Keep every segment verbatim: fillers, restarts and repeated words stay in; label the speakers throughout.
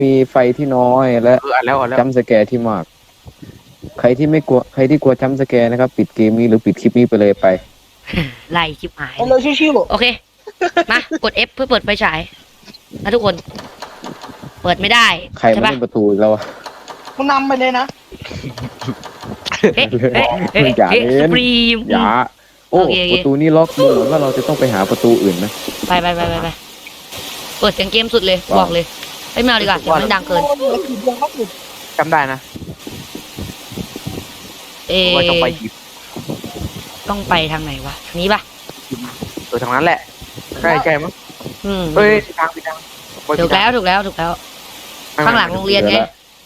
Speaker 1: มีไฟที่น้อยและ
Speaker 2: เอออ่านแล้วอ่านแล้ว
Speaker 1: จัมป์สแกร์ที่มาก ใครที่ไม่กลัวใครที่กลัวจัมป์สแกร์นะครับ ปิดเกมนี้หรือปิดคลิปนี้ไปเลยไป
Speaker 3: ไล่ชิบหาย
Speaker 4: เอาเลยชิว
Speaker 3: โอเค มากด F เพื่อเปิดไฟฉายนะทุกคน เปิดไม่ได้
Speaker 1: ใคร
Speaker 3: ใช่
Speaker 1: มา
Speaker 3: ปะ
Speaker 1: เล่นประตูอีกแล้วอะ
Speaker 4: ๆมึงนำไปเลยนะ
Speaker 3: เอ๊ะเอ๊ะเอ๊ะ
Speaker 1: อย่า
Speaker 3: เอ๊ะ
Speaker 1: เล่
Speaker 3: ส
Speaker 1: น
Speaker 3: ปรีม
Speaker 1: อย่าโอ้
Speaker 3: โอเคโอเค
Speaker 1: ประตูนี้ล็อกดูเหมือนว่าเราจะต้องไปหาประตูอื่นนะ
Speaker 3: ไปไปไปไปไปเปิดเสียงเกมสุดเลย
Speaker 1: ว้าว
Speaker 3: บอกเลยไอ้ยไม่เอาดีกว่าเสียงมันดังเกิน
Speaker 4: โอ้ยผิดยังก็ผิด
Speaker 2: จำได้นะ
Speaker 3: เอ
Speaker 2: ว่าต้องไปหยิบ
Speaker 3: ต้องไปทางไหนวะทางนี้ปะ
Speaker 2: เออทางนั้นแหละใกล้ใกล้มั้ง
Speaker 3: อืม
Speaker 2: เอ้ยผิดทางผิดทาง
Speaker 3: ถูกแล้วถูกแล้วถูกแล้ว ข้างหลังโรงเรียนไง
Speaker 1: เดี๋ยวละ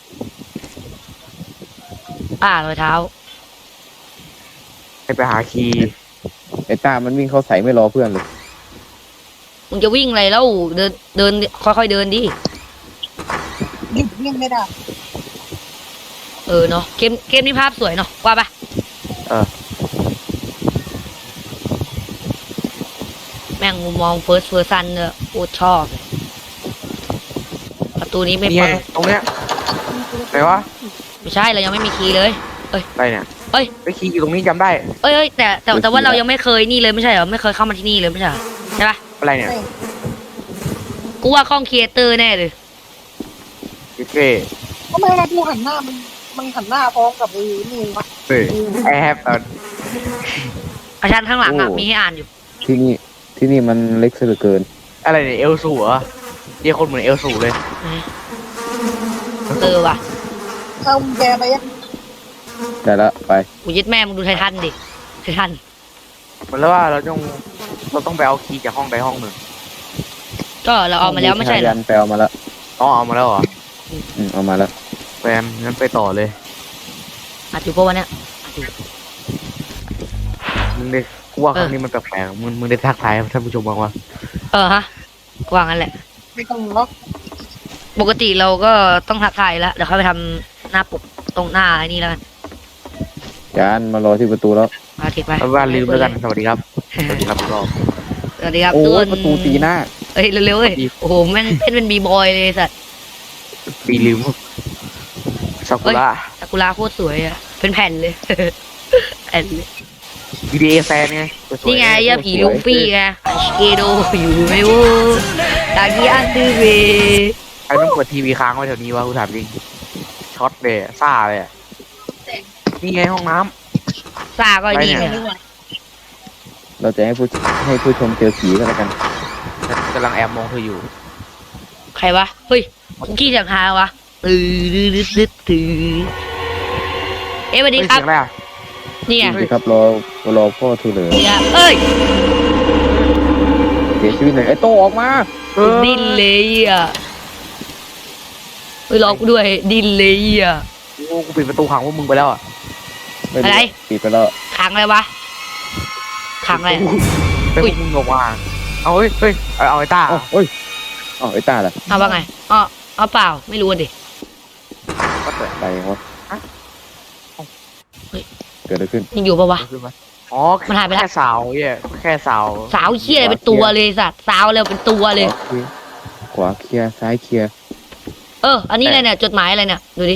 Speaker 3: อ่ารอยเท้า
Speaker 2: ให้ไปหาคีย์
Speaker 1: ไอ้ต้ามันวิ่งเข้าใส่ไม่รอเพื่อนเลย
Speaker 3: มึงจะวิ่งอะไรแล้วเดินเดินค่อยๆเดินดิ
Speaker 4: หยุดวิ่งไม่ได้
Speaker 3: เออเนาะเกมเกมนี้ภาพสวยเนาะว่าปะ
Speaker 2: เออ
Speaker 3: แม่งมุมมองเฟิร์สเฟิร์ซันเนี่ยโคตรชอบเลยประตูนี้ไม่
Speaker 2: นี่
Speaker 3: เปิ
Speaker 2: ไง
Speaker 3: ด
Speaker 2: ตรงเนี้ยไหนวะ
Speaker 3: ไม่ใช่เรายังไม่มีคีย์เลย
Speaker 2: อะไรเนี่ย
Speaker 3: เอ้ย
Speaker 2: ไปคีย์อยู่ตรงนี้จำได้
Speaker 3: เอ้ยเอ้ยแต่แต่แต่ว่าเรายังไม่เคยนี่เลยไม่ใช่เหรอไม่เคยเข้ามาที่นี่เลยไม่ใช่เหรอใช่ปะ
Speaker 2: อะไรเนี่ย
Speaker 3: กูว่าข้องครีเอเตอร์แน่เลย
Speaker 2: โอเค
Speaker 4: ทำไมเราดูหันหน้ามันมันหันหน้าพร้อมกับไอ้นี่วะ
Speaker 2: เฮ้ยไอแฮป
Speaker 3: อาจารย์ข้างหลังอ่ะมีให้อ่านอยู่
Speaker 1: ที่นี่ที่นี่มันเล็กซะเหลือเกิน
Speaker 2: อะไรเนี่ยเอลสูเหรอเรียกคนเหมือนเอลสูเลย
Speaker 3: เออว่ะ
Speaker 4: เอากุญแกไปยัง
Speaker 1: แต่ละไป
Speaker 3: กูยึดแม่มึงดูไททันดิไททัน
Speaker 2: เหมือนแล้วว่าเราต้องเราต้องไปเอาคีย์จากห้องใดห้องหนึ่ง
Speaker 3: ก็เราเอามาแล้วไม่ใช่เหรอ
Speaker 1: ยันแปลมาแล้ว
Speaker 2: อ๋อเอามาแล้วเหรอ
Speaker 1: อืมเอามาแล้ว
Speaker 2: แฟมงั้นไปต่อเลย
Speaker 3: อัดอยู่ปะวะเนี่ยอัดอยู่
Speaker 2: มึงได้กูว่าครั้งนี้มันแปลกๆมึงมึงได้ทักทายท่านผู้ชมบ้างวะ
Speaker 3: เออฮะกว่างั้นแหละ
Speaker 4: ไม่ต้องล็อก
Speaker 3: ปกติเราก็ต้องทักทายแล้วเดี๋ยวเขาไปทำหน้าปกตรงหน้าไอ้นี่แล้วกัน
Speaker 1: จานมารอที่ประตูแล้ว
Speaker 3: มาถิดไป
Speaker 2: เอาว่าลืมแล้วกันสวัสดีครับสวัสดีครับรอบ
Speaker 3: สวัสดีครับ
Speaker 1: โอ้
Speaker 3: ทุกค
Speaker 1: ย
Speaker 3: น
Speaker 1: ประตูตีหน้า
Speaker 3: เอ้ยเร็วๆเอ้ยโอ้โหแม่งเต้นเป็นบีบอยเลยสัตว์
Speaker 2: ปีลืมซากุระ
Speaker 3: ซากุระโคตรสวยอ่ะเป็นแผ่นเลย แผ่นเลย
Speaker 2: วีดีเอแฟนไงสวยๆ
Speaker 3: นี่ไงย่าผีลูฟี่ไงเกโดอยู่ไม่วูตากี้อันดื้อเว
Speaker 2: ใครต้องเปิดทีวีค้างไว้แถวนี้วะกูถามจริงช็อตเลยอะซ่าเลยอะนี่ไงห้องน้
Speaker 3: ซาก็ไอ้นี่ไง
Speaker 1: เราจะให้ผู้ให้ผู้ชมเจอผีกันแล้วกัน
Speaker 2: ำกำลังแอบมองเธออยู่
Speaker 3: ใครวะเฮ้ยคุกกี้จากฮาวะตื่นดื้อดื้อดื้อตื่นเอ้ยสวัสดี
Speaker 2: เฮ้ย
Speaker 3: ครับ
Speaker 2: เสียงอะไรอะ
Speaker 3: นี่ไง
Speaker 1: สวัสดีครับรอรอพ่อทูเหลือ
Speaker 3: เนี่ยเอ้ย
Speaker 1: เสียชีวิตเลยไอ้โตออกมา
Speaker 2: เออ
Speaker 3: ดินเลยอ่ะเฮ้ยรอกูด้วยดินเลยอ่ะ
Speaker 2: โอ้กูปิดประตูขังพวกมึงไปแล้วอะ
Speaker 1: ม่รู้
Speaker 3: อะไร
Speaker 1: ปิดไปแล้ว
Speaker 3: ขังอะไรวะขังอะไร
Speaker 2: เป็นพวกมึงออกมาเอาเฮ้ยเฮ้ยเอาเอาไอ้ต้า
Speaker 1: เอ้าเอ้ยเอ้าไอ้ต้าล่ะ
Speaker 3: เอาว่าไงอ๋อเอาเปล่าไม่รู้ดิ
Speaker 2: ก็เกิด
Speaker 1: ไปวะเกิดอะไรขึ้น
Speaker 3: ยังอยู่ปะวะ
Speaker 2: ขึ้นมาอ๋อ
Speaker 3: มันหายไปแล้ว
Speaker 2: แค่สาวเหี้ยแค่สาว
Speaker 3: สาวเขี้ยอะไรเป็นตัวเลยสัตว์สาวอะไรเป็นตัวเลย
Speaker 1: ขวาเคลียร์ซ้ายเคลียร์
Speaker 3: เออ อันนี้อะไรเนี่ยจดหมายอะไรเนี่ยดูดิ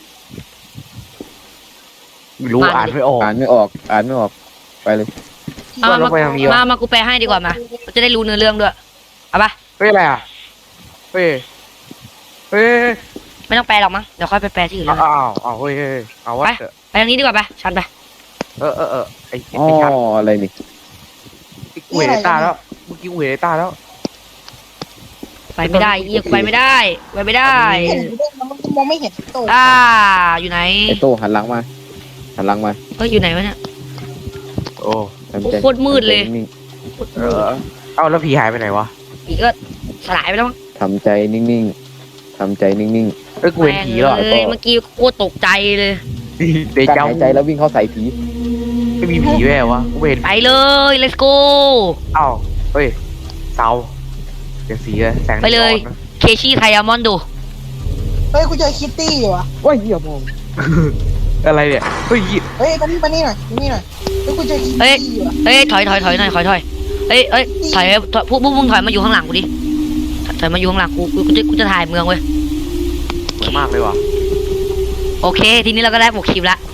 Speaker 2: ไม่รู้
Speaker 3: มาดิ
Speaker 2: อ่านไม่ออก
Speaker 1: อ่านไม่ออกอ่านไม่ออกไปเลย
Speaker 3: เอา
Speaker 2: ว่า
Speaker 3: มา
Speaker 2: เราไปทางนี้วะ
Speaker 3: มามากูแปลให้ดีกว่ามาเราจะได้รู้เนื้อเรื่องด้วยเอาปะ
Speaker 2: เฮ้ยอะไรอ่ะเฮ้ยเฮ้ย
Speaker 3: ไม่ต้องแปลหรอกมั้งเดี๋ยวค่อยไปแปลที่อื่น
Speaker 2: อ้า
Speaker 3: แล้ว วกัน
Speaker 2: อ้าวอ้าวเฮ้ยเฮ้ยเอาวะ
Speaker 3: ไป ไปทางนี้ดีกว่าไปชันไป
Speaker 2: เออเออเออไอ้
Speaker 1: อ๋อ
Speaker 2: ไอ้ชัด
Speaker 1: อะไรนี่
Speaker 2: กูเห็นไอ้ต้าแล้วเมื่อกี้กูเห็นไอ้ต้าแล้ว
Speaker 3: ไปไม่ได้เอียกูไปไม่ได้ไปไม่ได้
Speaker 4: เห็นอยู่ด้วยนะมันมองไม่เห็นตัว
Speaker 3: อ่าอยู่ไหน
Speaker 1: ไอ้โตหันหลังมาหันหลังมา
Speaker 3: เฮ้ยอยู่ไหนวะเนี่ย
Speaker 2: โอ้
Speaker 1: ทำใจ
Speaker 3: โคตรมืดเลย
Speaker 1: นิ่ง
Speaker 2: เออเอ้าแล้วผีหายไปไหนวะ
Speaker 3: อีกก็สลายไปแล้วมั้ง
Speaker 1: ๆทำใจนิ่งๆทำใจนิ่ง
Speaker 2: เอ้ยกูเห็นผีแล้ว
Speaker 3: แม่งเลยเมื่อกี้โคตรตกใจเลย
Speaker 2: เด
Speaker 1: ๆการ
Speaker 2: จา
Speaker 1: หายใจแล้ววิ่งเข้าใส่ผี
Speaker 2: ไม่มีผีแว่วะกูเห็น
Speaker 3: ไปเลย let's go
Speaker 2: เอ้าเฮ้ยเสาเปลี่ยนสีเลยแสง
Speaker 3: ไปเลย
Speaker 2: นีออนนะ
Speaker 3: เคชี่ไทยามอนดู
Speaker 4: เฮ้ยกูเจอคิตตี้อยู่อ่ะ
Speaker 1: ว้ายเหี้ยมอง
Speaker 2: อะไรเนี่ยเฮ้ย
Speaker 4: เฮ้ยมานี่มานี่หน่อยมานี่หน่อยเฮ้ยกูเจอคิต
Speaker 3: เฮ้ย
Speaker 4: ตี้อยู่อ่ะ
Speaker 3: เฮ้ยถอยถอยถอยหน่อยถอยถอยเฮ้ยเฮ้ยถอยถอยพวกพวกมึงถอยมาอยู่ข้างหลังกูดิถอยมาอยู่ข้างหลังกูกูกูจะกูจะถ่ายเมืองเว้ย
Speaker 2: วยมากเลยว่ะ
Speaker 3: โอเค ทีนี้เราก็ได้หมวกคลิปละ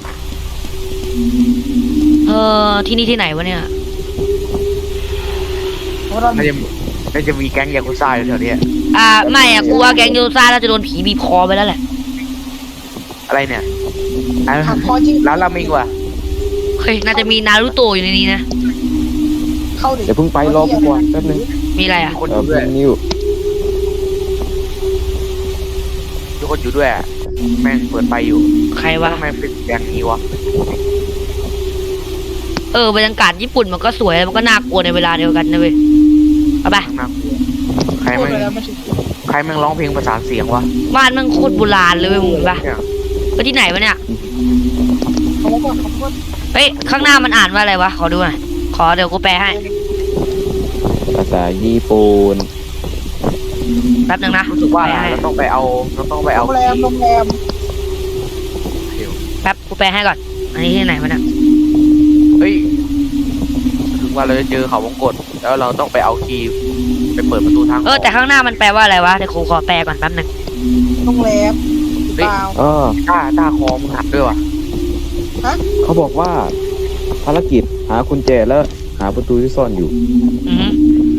Speaker 3: เออที่นี่ที่ไหนวะเนี่ย
Speaker 4: เพราะเรา
Speaker 2: น่าจะน่าจะมีแก๊งยากุซ่าอยู่แถวเนี้ย
Speaker 3: อ่าไม่อะกูว่าแก๊งโยซ่าน่าจะโดนผีบีบคอไปแล้วแหละ
Speaker 2: อะไรเนี่ยอ่ะ
Speaker 4: หักคอจริง
Speaker 2: ร้านราเมงว่ะ
Speaker 3: เฮ้ยน่าจะมีนารูโตะอยู่ในนี้นะ
Speaker 4: เข้าดิ
Speaker 1: เดี๋ยวเพิ่งไปรอกูก่อนแป๊บนึง
Speaker 3: มีอะไรอ่ะ
Speaker 2: มีคนอ
Speaker 1: เออยู่
Speaker 2: ด้วย
Speaker 1: นิว
Speaker 2: มีคนอยู่ด้วยอะแม่งเปิดไฟอยู่
Speaker 3: ใครวะ
Speaker 2: ทำไมเป็นแก๊งนี้วะ
Speaker 3: เออบรรยากาศญี่ปุ่นมันก็สวยแล้วมันก็น่ากลัวในเวลาเดียวกันนะเว้ยเอาไป
Speaker 2: น่ากลัวใคร
Speaker 4: พูด
Speaker 2: แม่ง
Speaker 4: ไปแล้วไม่ถึง
Speaker 2: ใครแม่งร้องเพลงประสานเสียงวะ
Speaker 3: บ้านมันโคตรโบราณเลยเว้ยมึงเห็นปะ
Speaker 2: เนี่ย
Speaker 3: ไปที่ไหนวะเนี่ย
Speaker 4: เขาบอกว่าเขาพูด
Speaker 3: เฮ้ยข้างหน้ามันอ่านว่าอะไรวะขอดูหน่อยขอเดี๋ยวกูแปลให้
Speaker 1: ภาษาญี่ปุ่น
Speaker 3: แป๊บนึงนะ
Speaker 2: รู้สึกว่า
Speaker 3: แปลให้
Speaker 2: เราต้องไปเอาเราต้องไป
Speaker 4: โร
Speaker 2: เอา
Speaker 4: งแรมโรงแรม
Speaker 3: แป๊บกูแปลให้ก่อนอันนี้ที่ไหนวะเนี่ย
Speaker 2: เฮ้ยรู้สึกว่าเราจะเจอเขาวงกตแล้วเราต้องไปเอาคีย์ไปเปิดประตูทาง
Speaker 3: เออแต่ข้างหน้ามันแปลว่าอะไรวะเดี๋ยวกูขอแปลก่อนแป๊บนึง
Speaker 4: โรงแรมเปล่า
Speaker 1: เออ
Speaker 2: ต้าต้าคอมึงหักด้วยวะ
Speaker 1: เขาบอกว่า ภารกิจหากุญแจแล้วหาประตูที่ซ่อนอยู่
Speaker 3: อือ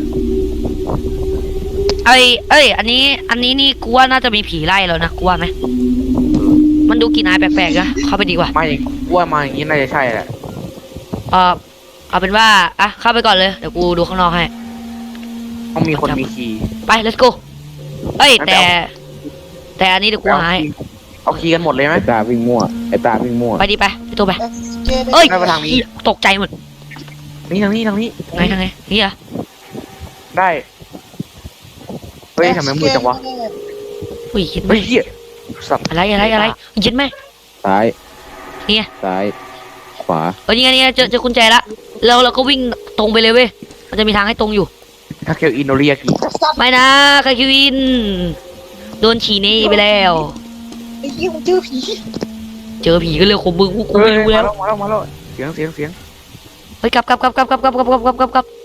Speaker 3: เอ้ยเอ้ย อันนี้ อันนี้นี่กูว่าน่าจะมีผีไล่แล้วนะกูว่าไหมมันดูกลิ่นอายแปลกๆนะเข้าไปดีกว่า
Speaker 2: มาอย่างกูว่ามาอย่างนี้น่าจะใช่แหละ
Speaker 3: เออเอาเป็นว่าอ่ะเข้าไปก่อนเลยเดี๋ยวกูดูข้างนอกให้
Speaker 2: ต้องมีคนมีคีย์
Speaker 3: ไป let's go เอ้ยแต่ แต่อันนี้เดี๋ยวกูหาให้
Speaker 2: เอาคีย์กันหมดเลยไหม
Speaker 1: ไอ้ตาวิ่งมั่วไอ้ตาวิ่งมั่ว
Speaker 3: ไปดิไปพี่ตัวไป
Speaker 4: เอสเจได้
Speaker 3: เอ้ย
Speaker 2: ไปทางนี้
Speaker 3: ตกใจหมด
Speaker 2: นี่ทางนี้ทางนี้
Speaker 3: ไงทางไงนี่อะ
Speaker 2: ได้เฮ้ยทำไมมืดจังวะ
Speaker 3: อุ้ยคิดไหม
Speaker 2: เฮ้ยเหี้ยสัตว์
Speaker 3: อะไรอะไรอะไรยินไหม
Speaker 1: ซ้าย
Speaker 3: เนี่ย
Speaker 1: ซ้าย ขวา
Speaker 3: เออนี่ไงนี่ไงเจอเจอกุญแจละแล้วเราก็วิ่งตรงไปเลยเว้ยมันจะมีทางให้ตรงอยู่
Speaker 2: ถ้าเคียวอินโนเรียกิ
Speaker 4: สัตว์
Speaker 3: ไม่นะคาคิวินโดนฉีหนี่ไปแล้ว
Speaker 4: ไอ้ยี่มึงเจอผี
Speaker 3: เจอผีก็เรื่องของมึงกูกู
Speaker 2: เฮ้ย
Speaker 3: ไม่รู้
Speaker 2: มา
Speaker 3: แล้ว
Speaker 2: แล้วมาแล้วมาแล้วเสียงเสียงเสียง
Speaker 3: เฮ้ยกลับกลับกลับกลับกลับกลับกลับกลับกลับกลับกลับ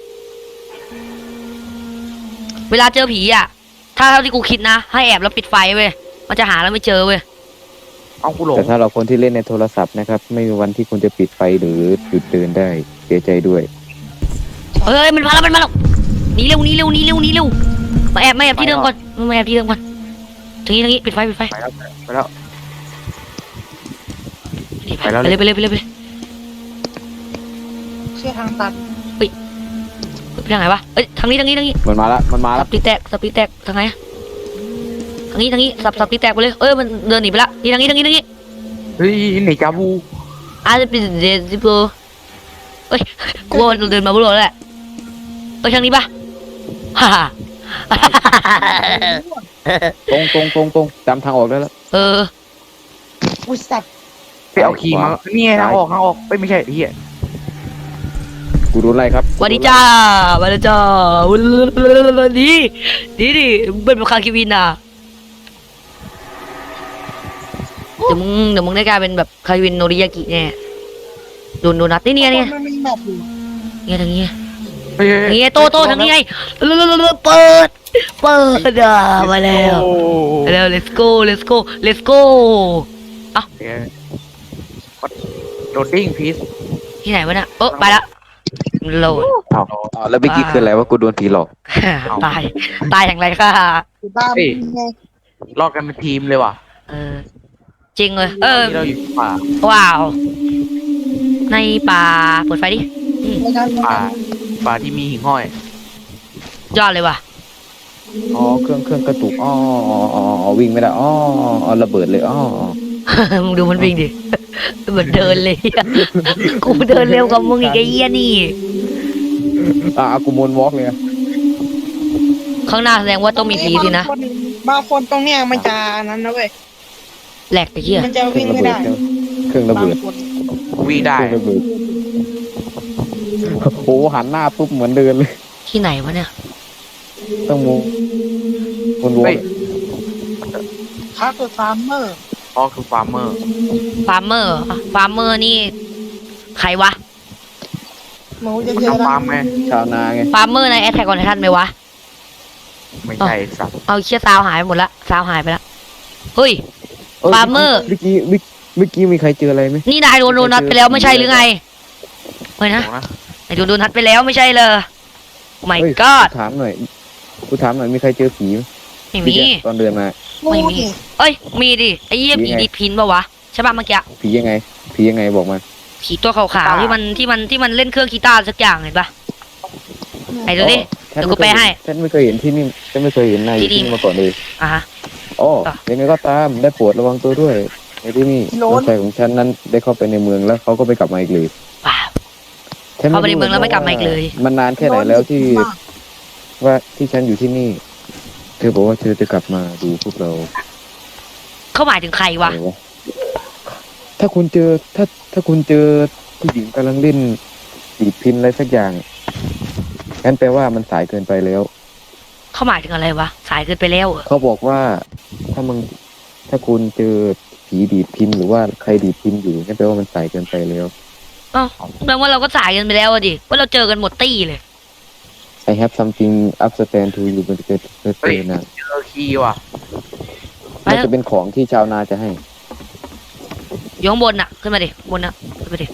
Speaker 3: เวลาเจอผีอ่ะ ถ้าเท่าที่กูคิดนะ ให้แอบแล้วปิดไฟเว้ยมันจะหาแล้วไม่เจอเว้ย
Speaker 2: เอากูหลง
Speaker 1: แต่ถ้าเราคนที่เล่นในโทรศัพท์นะครับ ไม่มีวันที่คุณจะปิดไฟหรือหยุดเดินได้ เสียใจด้วย
Speaker 3: เฮ้ยมันมาแล้วมันมาแล้วหนีเร็วหนีเร็วหนีเร็วหนีเร็วมาแอบมาแอบที่เดิมก่อนมาแอบที่เดิมก่อนทางนี้ทางนี้ปิดไฟปิดไฟ
Speaker 2: ไปแล้วไปแล้ว
Speaker 3: ไปเลยไปเลยไปเลยไปเลย
Speaker 4: เชื่อทางตัน
Speaker 3: ไปทางไหนวะเอ้ยทางนี้ทางนี้ทางนี้
Speaker 1: มันมาละมันมา
Speaker 3: สั
Speaker 1: ละ
Speaker 3: บตีแตกสับตีแตกทางไหนอะทางนี้ทางนี้สับสับตีแตกไปเลยเอ้ยมันเดินหนีไปละนี่ทางนี้ทางนี้ทางนี้
Speaker 2: เฮ้ยไหนจาบู
Speaker 3: อาจจะเป็นเดซิโปเอ้ยกูว่ามันเดินมาบุโรแล้วแหละเอ้ยทางนี้ปะฮ่าฮ่า
Speaker 1: ตรงตรงตรงตรงจำทางออกได้แล้ว
Speaker 3: เออ
Speaker 4: อุ้ยสัตว์
Speaker 2: ไปเอาคีย์มานี่ไงทางออกทางออกไม่ไม่ใช่เฮีย
Speaker 1: กูรู้ไรครับ
Speaker 3: สวัสดีจ้าสวัสดีจ้าดีดีดิเป็นคาคิวินอ่ะเดี๋ยวมึงเดี๋ยวมึงได้กลายเป็นแบบคาคิวินโนริยากิแน่โดนโดนัทนี่เนี่ยเนี่ย
Speaker 4: มันมีแบบอยู่
Speaker 3: เนี่ยทางนี้
Speaker 2: เฮ้ย
Speaker 3: ทางนี้โตโตทางนี้ไงเปิดเปิดอ่ะมาแล้วมาแล้ว let's go let's go let's go
Speaker 2: โหลดดิ้งพีซ
Speaker 3: ที่ไหนวะเนี่ยเออไปละโหลด
Speaker 1: เอาเอาแล้วเมื่อกี้คืออะไรว่ากูโดนผีหลอก
Speaker 3: ตายตายอย่างไรค่ะ
Speaker 4: อยู่บ้านมึงไง
Speaker 2: รอดกันเป็นทีมเลยว่ะ
Speaker 3: เออจริงเลยเออ
Speaker 2: ที่เราอยู่ป่า
Speaker 3: ว้าว ในป่าเปิดไฟดิอืม
Speaker 4: รายการ
Speaker 2: ป่าป่าที่มีหิ่งห้อย
Speaker 3: ยอดเลยว่ะ
Speaker 1: อ๋อเครื่องเครื่องกระตุกอ๋ออ๋ออ๋ออ๋อวิ่งไม่ได้อ๋ออ๋อระเบิดเลยอ๋ออ๋อ
Speaker 3: มึงดูมันวิ่งดิเหมือนเดินเลยอะกูเดินเร็วกว่ามึงอีกไอ้เหี้ยนี่
Speaker 1: อ่ะเอากูมวนวอล์กเลยอะ
Speaker 3: ข้างหน้าแสดงว่าต้องมีผีสินะ
Speaker 4: บางคนตรงเนี้ยมันจะนั้นนะเว้ย
Speaker 3: แหลกไอ้เหี้ย
Speaker 4: มันจะ
Speaker 1: เครื่
Speaker 4: วิ่
Speaker 1: อง งระ
Speaker 4: ไม่
Speaker 1: เบิด
Speaker 4: ได้
Speaker 1: เครื่องระ
Speaker 4: บาง
Speaker 1: เบิด
Speaker 4: คน
Speaker 2: วิ่งได้
Speaker 1: เครื่องระเบิดโอ้หันหน้าปุ๊บเหมือนเดินเลย
Speaker 3: ที่ไหนวะเนี่ย
Speaker 1: ต้องมูวนวอ
Speaker 2: เฮ้
Speaker 1: ล์
Speaker 2: ย
Speaker 1: ก
Speaker 4: คาร์เตอร์ฟาร์มเมอร์
Speaker 2: อ๋อคือฟาร์มเมอร์
Speaker 3: ฟาร์มเมอร์ฟาร์มเมอร์นี่ใครวะ
Speaker 4: หมูจะ
Speaker 2: มัน
Speaker 4: เยอะ
Speaker 2: ทำ
Speaker 4: นะ
Speaker 2: ฟาร์มไหม
Speaker 1: ชาวนาไง
Speaker 3: ฟาร์มเมอร์ในแอทแทกออนไททันไหมวะ
Speaker 2: ไม่ใช่สัตว์
Speaker 3: เอาเชี่ยซาวหายไปหมดละซาวหายไปละเฮ้ยฟาร์มเมอร์
Speaker 1: เมื่อกี้เมื่อเมื่อกี้มีใครเจออะไรไหม
Speaker 3: นี่นายโดนโดนัทไปแล้วไม่ใช่หรือไงเฮ้ยนะ
Speaker 2: เดี๋ยวนะ
Speaker 3: นายโดนโดนัทไปแล้วไม่ใช่เลยไม่
Speaker 1: เฮ้ย
Speaker 3: ก็
Speaker 1: กูถามหน่อยกูถามหน่อยมีใครเจอผีไหม
Speaker 3: ไม่มี
Speaker 1: ตอนเดินมา
Speaker 3: ไม่มี เอ้ยมีดิไอ้เหี้ย
Speaker 1: ผี
Speaker 3: ผี
Speaker 1: ไง
Speaker 3: ดิพินปะวะใช่ป่ะเมื่อกี้
Speaker 1: ผียังไง ผียังไงบอกมา
Speaker 3: ผีตัวขาวๆที่มันที่มันที่มันเล่นเครื่องกีตาร์สักอย่างเห็นปะไหนดูดิ
Speaker 1: ฉัน
Speaker 3: เดี๋ยวกู
Speaker 1: ไม่เคย
Speaker 3: ไปให้
Speaker 1: ฉันไม่เคยเห็นที่นี่ฉันไม่เคยเห็นนายอยู่
Speaker 3: ที่
Speaker 1: ที่
Speaker 3: นี่
Speaker 1: นี่มาก่อนเลย
Speaker 3: อ่ะฮะ
Speaker 1: อ๋อ
Speaker 3: ต่อ
Speaker 1: ยังไงก็ตามได้โปรดระวังตัวด้วยในที่นี่น้องชายของฉันนั้นได้เข้าไปในเมืองแล้วเขาก็ไปกลับมาอีกเลย
Speaker 3: ว้าว
Speaker 1: ฉัน
Speaker 3: เข้าไปในเมืองแล้วไม่กลับมาอีกเลย
Speaker 1: มันนานแค่ไหนแล้วที่ว่าที่ฉันอยู่ที่นี่ เธอบอกว่าเธอจะกลับมาดูพวกเรา
Speaker 3: เขาหมายถึงใครวะ
Speaker 1: อะไรวะถ้าคุณเจอถ้าถ้าคุณเจอผู้หญิงกำลังเล่นดีดพินอะไรสักอย่างงั้นแปลว่ามันสายเกินไปแล้ว
Speaker 3: เขาหมายถึงอะไรวะสายเกินไปแล้วเหรอ
Speaker 1: เขาบอกว่าถ้ามึงถ้าคุณเจอผีดีดพินหรือว่าใครดีดพินอยู่งั้นแปลว่ามันสายเกินไปแล้ว
Speaker 3: อ้าวแปลว่าเราก็สายกันไปแล้วอะดิว่าเราเจอกันหมดตี้เลย
Speaker 1: I have something upstand to you มันจะเป็นเตือนนะ
Speaker 2: เจอคีย์ว่ะ
Speaker 3: ไป
Speaker 1: มัน
Speaker 3: เถ
Speaker 1: จะ
Speaker 3: อะ
Speaker 1: เป็นของที่ชาวนาจะให้
Speaker 3: อยู่ข้างบนน่ะขึ้นมาดิบนน่ะขึ้นมาดิ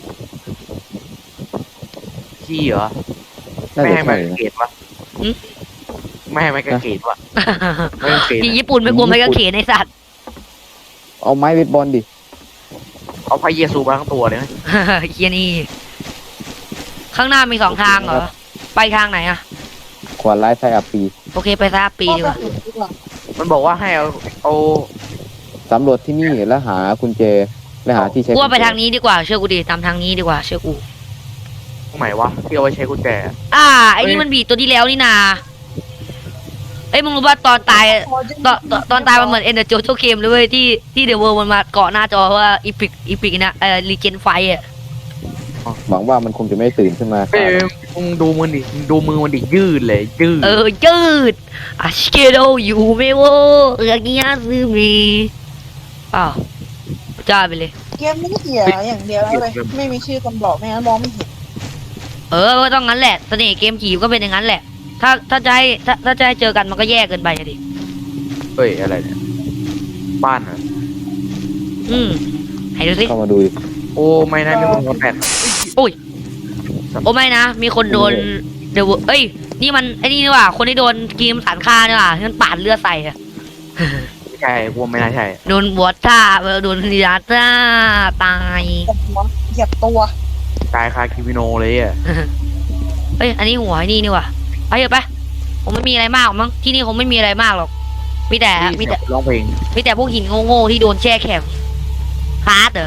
Speaker 2: คีย์เหรอ
Speaker 1: น่า
Speaker 2: ไม่
Speaker 1: จะ
Speaker 2: ให้ไม้
Speaker 1: ใช่
Speaker 2: กาง
Speaker 1: นะ
Speaker 2: เกตวะไม่ให้ไม้กางเกตวะไม่กางเกต
Speaker 3: ที่ญี่ปุ่นไม่กลัวไม่กางเขนในสัตว์
Speaker 1: เอาไม้เวทบอลดิ
Speaker 2: เอาพระเยซูมาทั้งตัวเลยไหม
Speaker 3: เฮียนี่ ข้างหน้ามีสองทางเหรอ ไปทางไหนอะ
Speaker 1: ขวานร้ายไทยอัปปี
Speaker 3: โอเคไปซาปีดีกว่า
Speaker 2: มันบอกว่าให้เอาเอา
Speaker 1: สำรวจที่นี่แล้วหากุญแจและหาที่ใช้
Speaker 3: กูว่าไป
Speaker 1: กุญแจ
Speaker 3: ทางนี้ดีกว่าเชื่อกูดิตามทางนี้ดีกว่าเชื่อกู
Speaker 2: ตรงไหนวะที่เอาไว้ใช้กุญแจ
Speaker 3: อ่าไอ้นี่มันบีตัวที่แล้วนี่นาเอ้ยมึงรู้ป่ะตอนตายตอนตอนตอนตายมันเหมือนเอ็นเดอร์โจโจเกมเลยเว้ยที่ที่เดอะเวิร์มันมาเกาะหน้าจอว่าอีพิกอีพิกนะเอ่อรีเจนไฟอ่ะ
Speaker 1: หวังว่ามันคงจะไม่ตื่นขึ้นมา
Speaker 2: เอ้ยมึงดูมือดิมึงดูมือมันดิยืดเลยยืด
Speaker 3: เออยืดอาชิเกโดอยู่ไม่โวเอือกิยาซึมีอ้าวจ้าไปเลย
Speaker 4: เกมนี้เสียอย่างเดียวเลยไม่มีชื่อคนบอกไม่งั้นมองไม่เห็น
Speaker 3: เออก็ต้องงั้นแหละเสน่ห์เกมผีก็เป็นอย่างนั้นแหละ ถ้าถ้าจะให้ถ้าถ้าจะให้เจอกันมันก็แย่เกินไปอะดิ
Speaker 2: เฮ้ยอะไรเนี่ยบ้านเหรอ
Speaker 3: อืมให้ดูสิ
Speaker 1: เข้ามาดูดิ
Speaker 2: โอ้ไม่นะมีคนมาแปด
Speaker 3: โอ้ไม่นะ มีคนโดนเดวเอ้ย นี่มันไอ้นี่นี่หว่า คนที่โดนกีมสารฆ่านี่หว่าที่มันปาดเลือดใส่อะ
Speaker 2: ไม่ใช่กูว่าไม่น่าใช่
Speaker 3: โดนบวชท่าเออโดนยาท่าตาย
Speaker 4: เหยียบตัว
Speaker 2: ตายคาคิมิโนเลยอ่ะ
Speaker 3: เอ้ย อันนี้หัวไอ้นี่นี่หว่าไปเถอะไปผมไม่มีอะไรมากหรอกมั้ง ที่นี่คงไม่มีอะไรมากหรอก มีแต่ มีแต่
Speaker 2: ร้องเพลง
Speaker 3: มีแต่พวกหินโง่ๆที่โดนแช่แข็งฮาร์ดเหรอ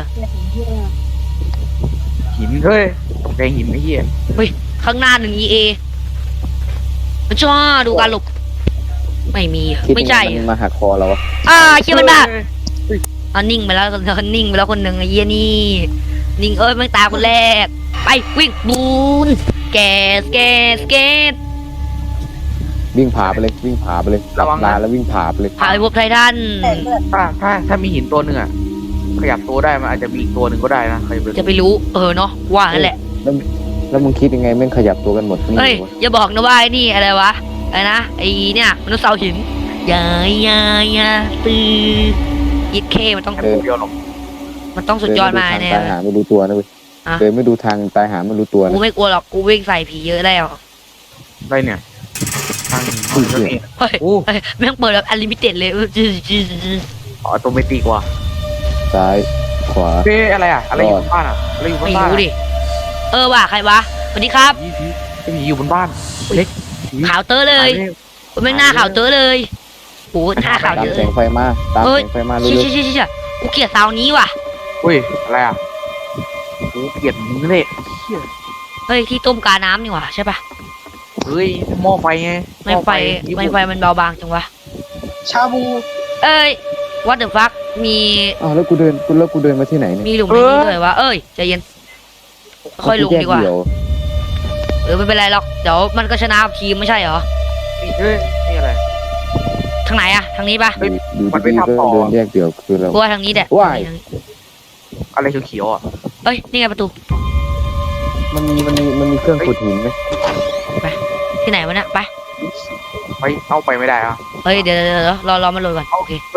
Speaker 2: หินเฮ้ยแรงหินไอ้เหี้ย
Speaker 3: ข้างหน้าหนึ่ง อี เอจ้าดูการหลบ ไม่มีอะ
Speaker 1: คิด
Speaker 3: ไม่
Speaker 1: ยัง
Speaker 3: ใช่
Speaker 1: ไงมัน
Speaker 3: อะ
Speaker 1: มาหักคอเราวะ
Speaker 3: อ่าเชื่อมันบ้าอ่านิ่งไปแล้วนิ่งไปแล้วคนหนึ่งไอ้เหี้ยนี่ นิ่งเอ้ยไม่ตายคนแรก ไปวิ่งบูนแกสแกสแกส
Speaker 1: วิ่งผ่าไปเลยวิ่งผ่าไปเลยหลับตาแล้ววิ่งผ่าไปเลย
Speaker 3: พาไปพบไททัน
Speaker 4: แต่เลือด
Speaker 2: ถ้าถ้าถ้ามีหินตัวหนึ่งอ่ะขยับตัวได้มันอาจจะมีอีกตัวหนึ่งก็ได้นะใครเป็น
Speaker 3: จะไปรู้ เออเนาะว่านั่นแหละ
Speaker 1: แล้วแล้วมึงคิดยังไงแม่งขยับตัวกันหมดนี่
Speaker 3: เอ้ย
Speaker 1: วะ
Speaker 3: อย่าบอกนะว่าไอ้นี่อะไรวะอะไรนะไอ้เนี่ยมนุษย์เสาหินยายายาตือยิดเคมันต้อง
Speaker 2: แค่ตัวเดียวหรอก
Speaker 3: มันต้องสุดยอดมาก
Speaker 1: เดิ
Speaker 3: แน่
Speaker 1: นไม่ดูทางตายหาไม่รู้ตัวนะเว้ย
Speaker 3: อะ
Speaker 1: เดินไม่ดูทางตายหาไม่รู้ตัว
Speaker 3: กู
Speaker 1: นะ
Speaker 3: ไม่กลัวหรอกกูวิ่งใส่ผีเยอะแล้ว
Speaker 2: ได้เนี่ยทางห้องก็มี
Speaker 3: เฮ้ย
Speaker 2: โอ้
Speaker 3: เฮ้ยแม่งเปิดแบบอลิมิเต็ดเลยจืดจืดจืด
Speaker 2: ออโตเมติกว่ะ
Speaker 1: ซ้ายขวา
Speaker 2: เฮ้ยอะไรอ่ะอะไรอยู่บนบ้านอ่ะอะไรอยู่บน
Speaker 3: ไม่
Speaker 2: บ้าน
Speaker 3: รู้ดิ เออว่ะใครวะสวัสดีครับ
Speaker 2: ผีผีผีอยู่บนบ้านเล็กผี
Speaker 3: ขาวเตอร์เลยแม่งหน้าขาวเตอร์เลยโอ้หน้าขาว
Speaker 1: ตาม
Speaker 3: เยอะ
Speaker 1: แสงไฟมาตาม
Speaker 3: เฮ้ย
Speaker 1: แสงไฟมา
Speaker 3: เชี่
Speaker 1: เรื่
Speaker 3: ย
Speaker 1: อย
Speaker 3: เชี่ยเชี่ยเชี่ยกูเกลียดซาวนี้ว่ะ
Speaker 2: อุ้ยอะไรอ่ะโอ้เกลียดมึงเลยเหี้ย
Speaker 3: เฮ้ยที่ต้มกาน้ำนี่หว่าใช่ปะ
Speaker 2: เฮ้ยหม้อไฟไง
Speaker 3: ไม่ไฟไม่ไฟมันเบาบางจังวะ
Speaker 4: ชาบู
Speaker 3: เอ้ย what the fuck มี
Speaker 1: ๆอ้าวแล้วกูเดินกูแล้วกูเดินมาที่ไหนเนี่ย
Speaker 3: มีหลุมในนี้ด้วยวะเอ้ยใจเย็นค่อยลงดีกว่า
Speaker 1: เยว
Speaker 3: เออไม่เป็นไรหรอกเดี๋ยวมันก็ชนะทีมไม่ใช่เหรอ
Speaker 2: นี่เฮ้ยนี่อะไร
Speaker 3: ทางไหนอะทางนี้ปะ
Speaker 2: เฮ้ย
Speaker 1: อยู่
Speaker 2: มันไป
Speaker 1: ดีๆก็
Speaker 2: ทำต่อ
Speaker 1: เดินแยกเดี่ยวคือเรา
Speaker 3: กูว่าทางนี้แหละ
Speaker 1: ว้าย
Speaker 2: อะไรเขียวๆอ่ะ
Speaker 3: เอ้ยนี่ไงประตู
Speaker 1: มันมีมันมีมันมีเครื่องขุดหินไหม
Speaker 3: ที่ไหนวะเนี่ยไป
Speaker 2: ไปเอาไปไม่ได้อ่ะ
Speaker 3: เฮ้ยเดี๋ยวเดี๋ยวเดี๋ยวรอรอมันโหลดก่อนโอเค
Speaker 2: เฮ้ย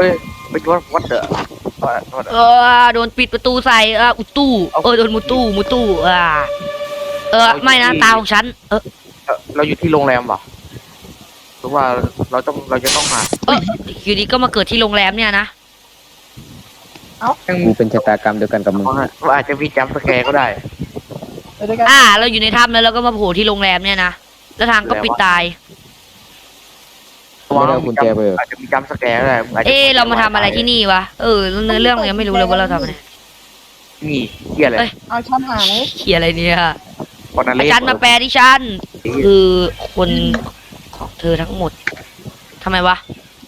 Speaker 2: ไปวัดวัดเดอะวัดวัด
Speaker 3: เออโดนปิดประตูใส่เอออุตู้ เออโดนมุตู้มุตู้อ่าเออไม่นะตาของฉันเออ
Speaker 2: เราอยู่ที่โรงแรมป่ะหรือว่าเราต้องเราจะต้องมา
Speaker 3: เอออยู่ดีก็มาเกิดที่โรงแรมเนี่ยนะ
Speaker 2: ยัง
Speaker 1: กูเป็นชะตากรรมเดียวกันกับมึง
Speaker 2: ว่าอาจจะมีจัมป์สแกร์ก็ได้
Speaker 4: ไปด้วยกัน
Speaker 3: อ่า เราอยู่ในถ้ำแล้วเราก็มาโผล่ที่โรงแรมเนี่ยนะแล้วทางก็ปิดตาย
Speaker 1: ไม่ได้เอากุญแจไปเหรอ
Speaker 2: อาจจะมีจัมป์สแกร์ก็ได้จจะ
Speaker 3: เอ๊ะเรามาทำอะไรที่นี่วะเออเนื้อเรื่องเรายังไม่รู้เลยว่าเราทำอะไร
Speaker 2: นี่เฮียอะไร
Speaker 3: เอ้ย
Speaker 4: เอาชั้นหาย
Speaker 3: เขียอะไรเนี่ย
Speaker 2: คอนนา
Speaker 3: อา
Speaker 2: เล่
Speaker 3: จารย์มาแปลดิฉันคือคนของเธอทั้งหมดทำไมวะ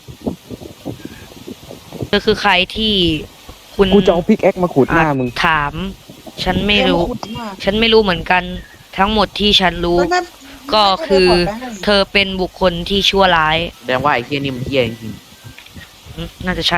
Speaker 3: เธอคือใครที่คุณ
Speaker 1: กูจะเอาพิกแอคมาขุดหน้ามึง
Speaker 3: ถาม ฉันไม่รู้
Speaker 4: ขุดมาก
Speaker 3: ฉันไม่รู้เหมือนกันทั้งหมดที่ฉันรู้
Speaker 4: ไม่ไม่
Speaker 3: ก็คือ
Speaker 4: ไม่ได้ปลดไปให้
Speaker 3: เธอเป็นบุคคลที่ชั่วร้าย
Speaker 2: แสดงว่าไอ้เฮียนี่มันเฮียจริง
Speaker 3: อืมน่าจะใช่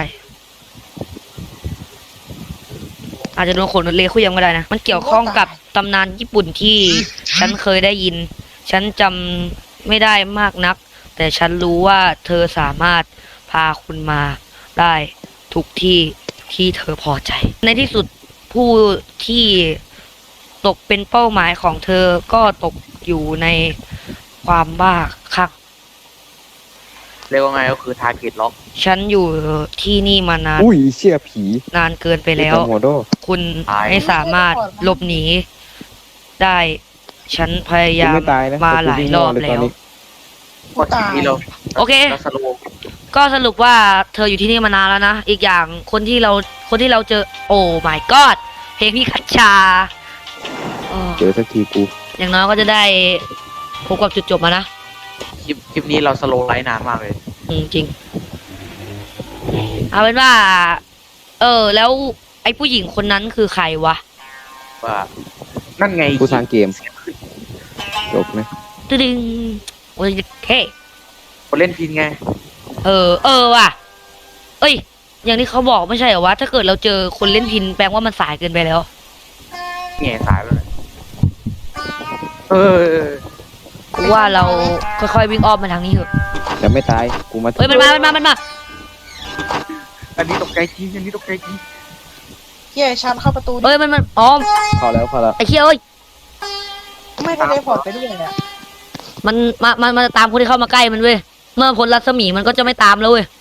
Speaker 3: อาจจะโดนขนรถเลคุยยังก็ได้นะ มันเกี่ยวข้องกับตำนานญี่ปุ่นที่ฉันเคยได้ยิน ฉันจำไม่ได้มากนัก แต่ฉันรู้ว่าเธอสามารถพาคุณมาได้ทุกที่ที่เธอพอใจ ในที่สุดผู้ที่ตกเป็นเป้าหมายของเธอก็ตกอยู่ในความบ้าคลั่ง
Speaker 2: ๆเรียกว่าไงก็คือทาร์เก็ตล็อก
Speaker 3: ฉันอยู่ที่นี่มานาน
Speaker 1: อุ้ยเชี่ยผี
Speaker 3: นานเกินไปแล้ว
Speaker 1: จำหัวโด
Speaker 3: คุณไม่สามารถหลบหนีได้ ฉันพยายาม
Speaker 1: กูไม่ตายนะ
Speaker 3: มา
Speaker 1: แต่กู
Speaker 3: หลาย
Speaker 1: วิ่ง
Speaker 3: รอบ
Speaker 1: เลยต
Speaker 3: แล้
Speaker 1: อน
Speaker 3: ว
Speaker 1: นี้
Speaker 2: ก็ทีนี้เรา
Speaker 3: โอเค
Speaker 2: เราสโลว์
Speaker 3: ก็สรุปว่าเธออยู่ที่นี่มานานแล้วนะ อีกอย่างคนที่เราคนที่เราเจอ โอ้ my god เพลงพี่คัชชาอ้อ
Speaker 1: เจอสักทีกู
Speaker 3: อย่างน้อยก็จะได้พบกับจุดจบมานะ
Speaker 2: คลิปคลิปนี้เราสโลว์ไลฟ์นานมากเลย
Speaker 3: อืมจริง เอาเป็นว่า เออ แล้วไอ้ผู้หญิงคนนั้นคือใครวะ
Speaker 2: ว่านั่นไง
Speaker 1: กูสร้างเกมจบไหม
Speaker 3: ตึดึงโอ้ยเท่
Speaker 2: คนเล่นพินไง
Speaker 3: เออ เออว่ะ เอ้ย อย่างที่เขาบอกไม่ใช่เหรอวะ ถ้าเกิดเราเจอคนเล่นพินแปลว่ามันสายเกินไปแล้ว
Speaker 2: แง่สายไปเลยเออ
Speaker 3: กูว่าเราค่อยๆวิ่งอ้อมมาทางนี้เถอะ
Speaker 1: แต่ไม่ตายกูมา
Speaker 3: เฮ้ย มันมา มันมา มันมา
Speaker 2: อันนี้ตกใจจริงอันนี้ตกใจจริง
Speaker 4: เฮียชั้นเข้าประตูดิ
Speaker 3: เฮ้ย มันมันอ๋อ
Speaker 1: เข้าแล้วเข้าแล้ว
Speaker 3: ไอ้เชี่ยเอ้ย
Speaker 4: ไม่ได้ได้พอร์ตไปด้วยเลยอะ
Speaker 3: มันมามันมันจะตามคนที่เข้ามาใกล้มันเว้ย เมื่อพ้นรัศมีมันก็จะไม่ตามแล้วเว้ย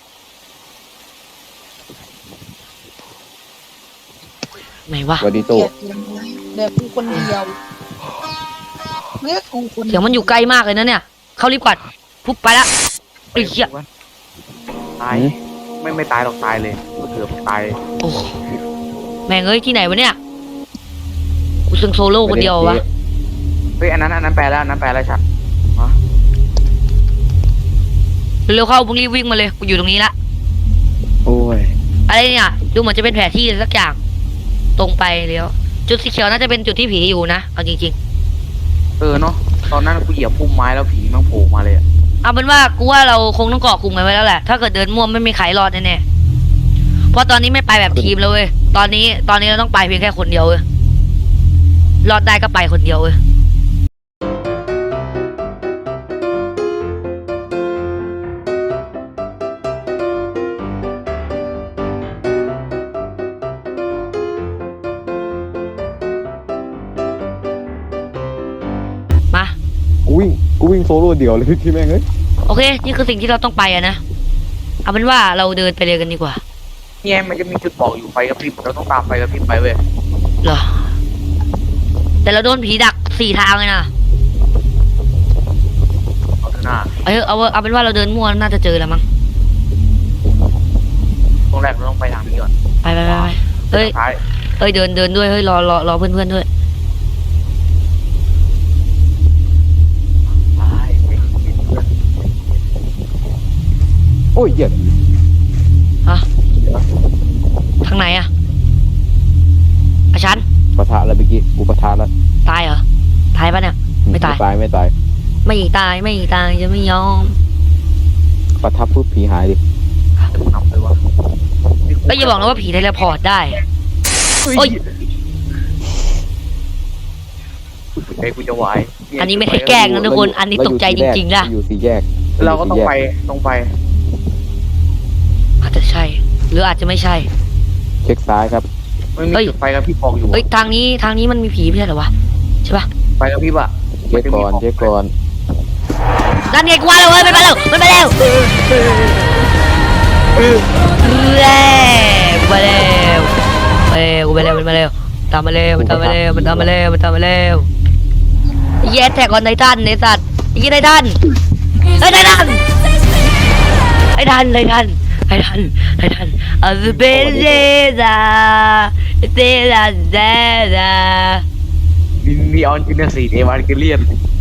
Speaker 3: ไหนวะ
Speaker 1: วอดีโต
Speaker 4: เกลียดจริงเดี๋ยวกูคนเดียวเรียกกูคน
Speaker 3: เสียงมันอยู่ใกล้มากเลยนะเนี่ย เข้ารีบก่อนปุ๊บไปละไอ้เชี่ย
Speaker 2: ตายไม่ไม่ตายหรอกตายเลยก็เกือบตาย
Speaker 3: โอ้แม่งเอ้ยที่ไหนวะเนี่ย กูซึ่งโซโล่คนเดียววะ
Speaker 2: เฮ้ยอันนั้นอันนั้นแปลแล้วอันนั้นแปลแล้วชัด
Speaker 3: เร็วๆเข้ามึงรีบวิ่งมาเลย กูอยู่ตรงนี้ละ
Speaker 1: โอ้ย
Speaker 3: อะไรเนี่ย ดูเหมือนจะเป็นแผนที่สักอย่าง ตรงไปเลี้ยว จุดสีเขียวน่าจะเป็นจุดที่ผีอยู่นะ เอาจริง
Speaker 2: เออเนาะตอนนั้นกูเหยียบพุ่มไม้แล้วผีมันโผล่มาเลยอะ
Speaker 3: ๆ เอาเป็นว่ากูว่าเราคงต้องเกาะกลุ่มกันไว้แล้วแหละ ถ้าเกิดเดินม่วไม่มีใครรอดแน่ๆ เพราะตอนนี้ไม่ไปแบบทีมแล้วเว้ย ตอนนี้ตอนนี้เราต้องไปเพียงแค่คนเดียวเว้ย รอดได้ก็ไปคนเดียวเว้ย มา
Speaker 1: กูวิ่งกูวิ่งโซโล่เดี่ยวเลยที่แม่งเอ้ย
Speaker 3: โอเค นี่คือสิ่งที่เราต้องไปอะนะ เอาเป็นว่าเราเดินไปเลยกันดีกว่า
Speaker 2: เนี่ยมันจะมีจุดบอกอยู่ไฟกระพริบเราต้องตามไฟกระพริบไปเว้ย
Speaker 3: เหรอ แต่เราโดนผีดักสี่ทางเลยนะ
Speaker 2: เอาเถอะหน้า
Speaker 3: เออเอาเอาเป็นว่าเราเดินมั่วน่าจะเจอแล้วมั้ง
Speaker 2: ตรงแรกเราต้องไปทางนี้ก่อน
Speaker 3: ไปไปไปไปเฮ้ย
Speaker 2: ท้าย
Speaker 3: เฮ้ยเดินเดินด้วย เฮ้ยรอรอรอเพื่อนเพื่อนๆด้วย
Speaker 2: ไปไปเพื่อน
Speaker 1: โอ้ยเหยียด
Speaker 3: ฮะ ทางไหนอะอาชัน
Speaker 1: ปะทะแล้วเมื่อกี้กูปะทะแล้ว
Speaker 3: ตายเหรอ ตายปะเนี่ย ไม่ตาย
Speaker 1: ตายไม่ตาย
Speaker 3: ไม่ตายไม่ตายจะไม่ยอม
Speaker 1: ปะทับปุ๊บผีหายดิ
Speaker 2: เดี๋ยวกูนำไปว่า
Speaker 3: ก็อย่าบอกนะว่าผีเทเลพอร์ตได้ โอ้ย
Speaker 2: ไอ้กูจะไหว
Speaker 3: อันนี้ไม่ได้แกล้งนะทุกคน อันนี้ตกใจจริงๆนะ
Speaker 1: อยู่สี่แยก
Speaker 2: เราก็ต้องไปตรงไป
Speaker 3: อาจจะใช่หรืออาจจะไม่ใช่
Speaker 1: เช็คซ้ายครับ
Speaker 2: มันมี
Speaker 3: เฮ้ย
Speaker 2: จุดไฟกระพริบบอกอยู่
Speaker 3: เฮ้ยทางนี้ทางนี้มันมีผีไม่ใช่เหรอวะใช่ปะ
Speaker 2: ไฟกระพริบอ่ะ
Speaker 1: เช็คก่อนเช็คก่อน
Speaker 3: นั่นไงกูว่าแล้วเว้ยมันมาแล้วมันมาแล้วแล้วกูมาแล้วเอ้ยกูมาแล้วมันมาแล้วตามมาแล้วมันตามมาแล้วมันตามมาแล้วมันตามมาแล้วแย่แท็กออนไททันไอ้สัตว์ไอ้ยี่ไททันไอ้ไททันไอ้ทันไอ้ทันไอ้ทันไอ้ทันอาสเปเซดาเซดาเซดา
Speaker 2: มีมีออนจินสีเอวานเกเลียน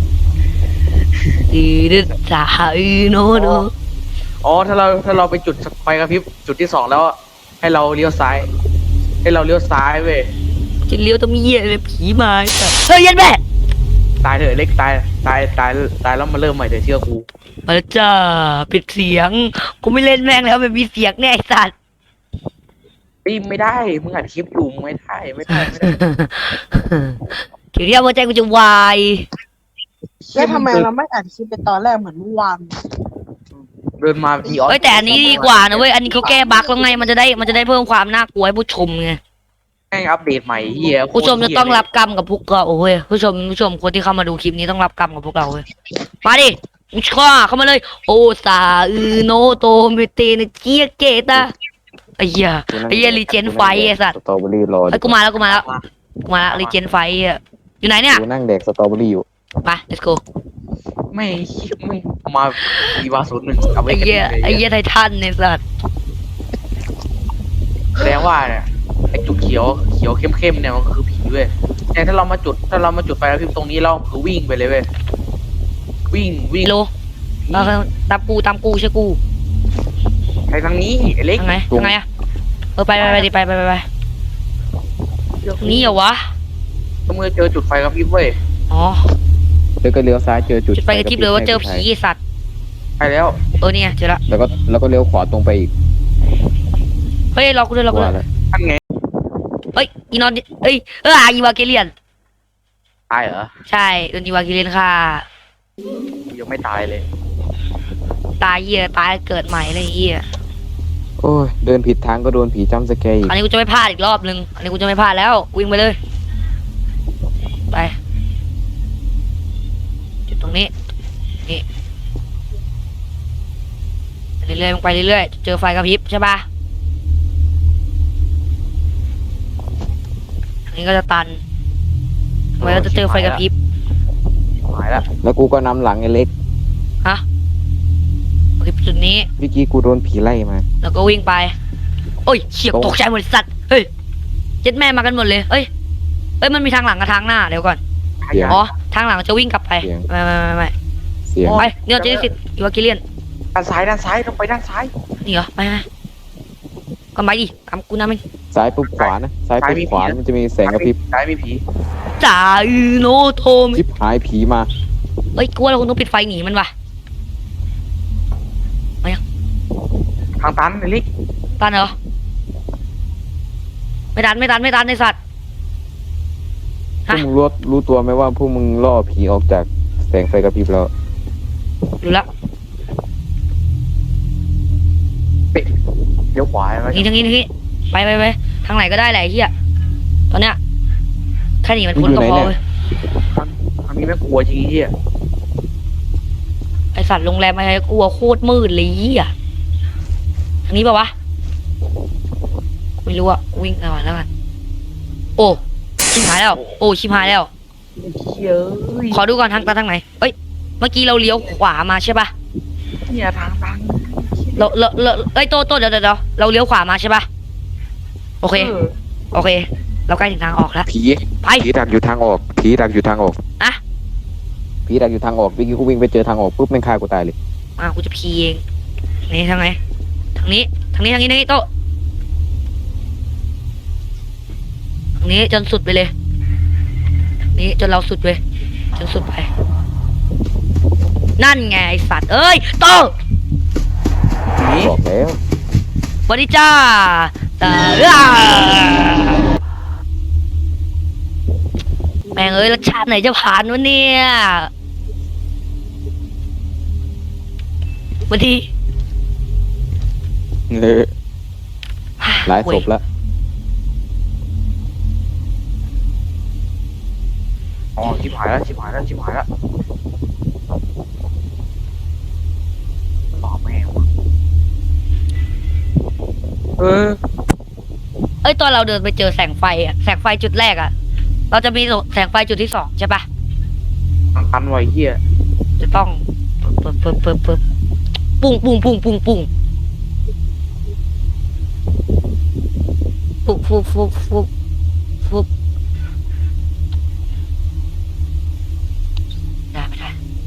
Speaker 3: ดีดิสายโนโน
Speaker 2: อ๋อถ้าเราถ้าเราไปจุดไฟกระพริบจุดที่สองแล้วให้เราเลี้ยวซ้าย ให้เราเลี้ยวซ้ายเว้ย
Speaker 3: จะเลี้ยวต้องมีเหี้ยเลยผีมาไอ้สัตว์เฮ้ยเยันแม่
Speaker 2: ตายเถอะเล็กตายตายตายตายแล้วมาเริ่มใหม่เถอะเชื่อกู
Speaker 3: มาแล้วจ้าปิดเสียงกูไม่เล่นแม่งแล้วมันมีเสียงแน่ไอ้สัตว์
Speaker 2: ปีไม่ได้มึงอัดคลิปอยู่มึงไม่ได้ไม่ได้ไม่ได้
Speaker 3: เดี๋ยวเรียกหัวใจกูจะวาย
Speaker 4: แล้วทำไมเราไม่อัดคลิปไปตอนแรกเหมือนเมื่อวาน
Speaker 2: เดินมาอีออน
Speaker 3: เฮ้ยแต่อันนี้ดีกว่านะเว้ยอันนี้เขาแก้บั๊กแล้วไงมันจะได้มันจะได้เพิ่มความน่ากลัวให้ผู้ชมไง
Speaker 2: แม่งอัปเดตใหม่เฮีย
Speaker 3: ผู้ชมจะต้องรับกรรมกับพวกเราโอ้ยผู้ชมผู้ชมคนที่เข้ามาดูคลิปนี้ต้องรับกรรมกับพวกเราเว้ยมาดิมึงข้าเข้ามาเลยโอซาอือโนโตเมเตเนเจียเกตาไอ้เหี้ยไอ้เหี้ยรีเจนไฟไอ้สัตว์
Speaker 1: สตรอเบอรี่รอ
Speaker 3: ไอ้ยกูมาแล้วกูมาแล้วกูมาแล้วรีเจนไฟอ่ะอยู่ไหนเนี่ย
Speaker 1: กูนั่งแดกสตรอเบอรี่อยู่
Speaker 3: ไป let's go
Speaker 2: ไม่เหี้ยมึงมาอีวาศูนย์หนึ่งเอาไว้
Speaker 3: ไอ้
Speaker 2: กัน
Speaker 3: เหี้ยไอ้เหี้ยไททันเนี่ยสัตว์
Speaker 2: แสดงว่าเนี่ยไอ้จุดเขียวเขียวเข้มๆเนี่ยมันคือผีเว้ยแต่ถ้าเรามาจุดถ้าเรามาจุดไฟกระพริบตรงนี้เราคือวิ่งไปเลยเว้ยวิ่งวิ่ง
Speaker 3: โลเอาตามกูตามกูใช่กู
Speaker 2: ไปทางนี้ไอ้เล็ก
Speaker 3: ทางไงทางไงอะเออไปไปไปดิไปไปไปไปทางนี้เหรอวะ
Speaker 2: ก็เมื่อเจอจุดไฟกระพริบเว้ย
Speaker 3: อ๋อ
Speaker 1: แล้วก็เลี้ยวซ้ายเจอจุด
Speaker 3: จุดไปกระทิบเลยว่าเจอผีไอ้สัตว์
Speaker 2: ไปแล้ว
Speaker 3: เออเนี่ยเจอละ
Speaker 1: แล้วก็แล้วก็เลี้ยวขวาตรงไปอีก
Speaker 3: เฮ้ยเรากูด้วยเรากูด้ว
Speaker 1: ว่าย แล้ว
Speaker 2: ท่านไง
Speaker 3: เฮ้ยอีนอนเอ้ยเอออีวาเกเลียน
Speaker 2: ตายเหรอ
Speaker 3: ใช่โดนอีวาเกเลียนค่ะ
Speaker 2: ยังไม่ตายเลย
Speaker 3: ตายเหี้ยตายเกิดใหม่อะไรเหี้ย
Speaker 1: โอ้ยเดินผิดทางก็โดนผีจ้ำสแกร์อีก
Speaker 3: อันนี้กูจะไม่พลาดอีกรอบนึงอันนี้กูจะไม่พลาดแล้ววิ่งไปเลยไปจุดตรงนี้นี่ไปเรื่อยๆลงไปเรื่อยๆเจอไฟกระพริบใช่ปะอันนี้ก็จะตันทำไมเราจะเจอไฟกระพริบ
Speaker 2: หายแล้ว
Speaker 1: แล้วกูก็นำหลังไอ้เล็ก
Speaker 3: ฮะโอเคจุดนี้
Speaker 1: เมื่อกี้กูโดนผีไล่มา
Speaker 3: แล้วก็วิ่งไป โอ้ยเฉียบ
Speaker 1: ตรง
Speaker 3: ตกใจหมดสัตว์ เฮ้ย เจ็ดแม่มากันหมดเลย เอ้ย เอ้ย มันมีทางหลังกับทางหน้า เดี๋ยวก่อน
Speaker 1: เสียง
Speaker 3: อ๋อ ทางหลังจะวิ่งกลับไป
Speaker 1: เสียง
Speaker 3: ไม่ไม่ไม่ไม่
Speaker 1: เสียง
Speaker 3: ไปเนี่ยเจนิสิตอีวากิเลียน
Speaker 2: ด้านซ้ายด้านซ้ายต้องไปด้านซ้าย
Speaker 3: นี่เหรอ ไปไปก็ไปดิตามกูนะมึง
Speaker 1: ซ้ายปุ๊บขวานะซ้ายปุ๊บขวามันจะมีแสงกระพริบ
Speaker 2: ซ้ายมีผี
Speaker 3: จ่าอือโนโทม
Speaker 1: ชิบหายผีมา
Speaker 3: เอ้ย กูว่าเราคงต้องปิดไฟหนีมันว่ะ
Speaker 2: ทางตันไอ้เล็ก
Speaker 3: ตันเหรอ ไม่ตันไม่ตันไม่ตันในสัตว์
Speaker 1: พวกมึงรู้รู้ตัวไหมว่าพวกมึงล่อผีออกจากแสงไฟกระพริบแล้ว
Speaker 3: รู้ละ
Speaker 2: เดี๋ยวขวาไหม
Speaker 3: นี่ทางนี้ทางนี้ ไปไปไปทางไหนก็ได้แหละไอ้เฮียตอนเนี้ยแค่หนีมันพ้นก็พอเว้ย
Speaker 2: ทางนี้ไม่กลัวจริงที่
Speaker 3: ไอสัตว์โรงแรมอะไรกลัวโคตรมืดเลยอ่ะทางนี้ป่าวะ ไม่รู้อ่ะวิ่งก่อนแล้วกัน โอ้ชิบหายแล้ว โอ้ชิบหายแล้ว
Speaker 2: เยอะ
Speaker 3: ขอดูก่อนทางตาทางไหนเอ้ย เมื่อกี้เราเลี้ยวขวามาใช่ปะ
Speaker 2: เนี่ยทางตัน
Speaker 3: เราเราเราเอ้ยโตโตเดี๋ยวเดี๋ยวเดี๋ยวเราเลี้ยวขวามาใช่ปะโอเค โอเค เราใกล้ถึงทางออกแล้ว
Speaker 1: ผี
Speaker 3: ไป
Speaker 1: ผีดักอยู่ทางออกผีดักอยู่ทางออก
Speaker 3: อะ
Speaker 1: ผีดักอยู่ทางออกเมื่อกี้กูวิ่งไปเจอทางออกปุ๊บแม่งฆ่ากูตายเลย
Speaker 3: อ่ะกูจะพีเองนี่ทางไหนทางนี้ ทางนี้ทางนี้ทางนี้โตะทางนี้จนสุดไปเลยทางนี้จนเราสุดเลยจนสุดไป นั่นไงไอสัตว์เอ้ยโตะ
Speaker 2: ผี
Speaker 1: บอกแล้ว
Speaker 3: สวัสดีจ้าตาอ้าแม่งเอ้ยรสชาติไหนจะผ่านวะเนี่ยสวัสดี
Speaker 1: เลยหลายศพแล้ว
Speaker 2: อ๋อชิบหายแล้วชิบหายแล้วชิบหายแล้วตอบแม่งวะเออ
Speaker 3: เอ้ยตอนเราเดินไปเจอแสงไฟอะแสงไฟจุดแรกอะเราจะมีแสงไฟจุดที่สองใช่ปะ
Speaker 2: มันตันไวเฮีย
Speaker 3: จะต้องเปิบเปิบเปิบเปิบปุ้งปุ้งปุ้งปุ้งปุ้งฟุบฟุบฟุบฟุบฟุบได้ไม่ได้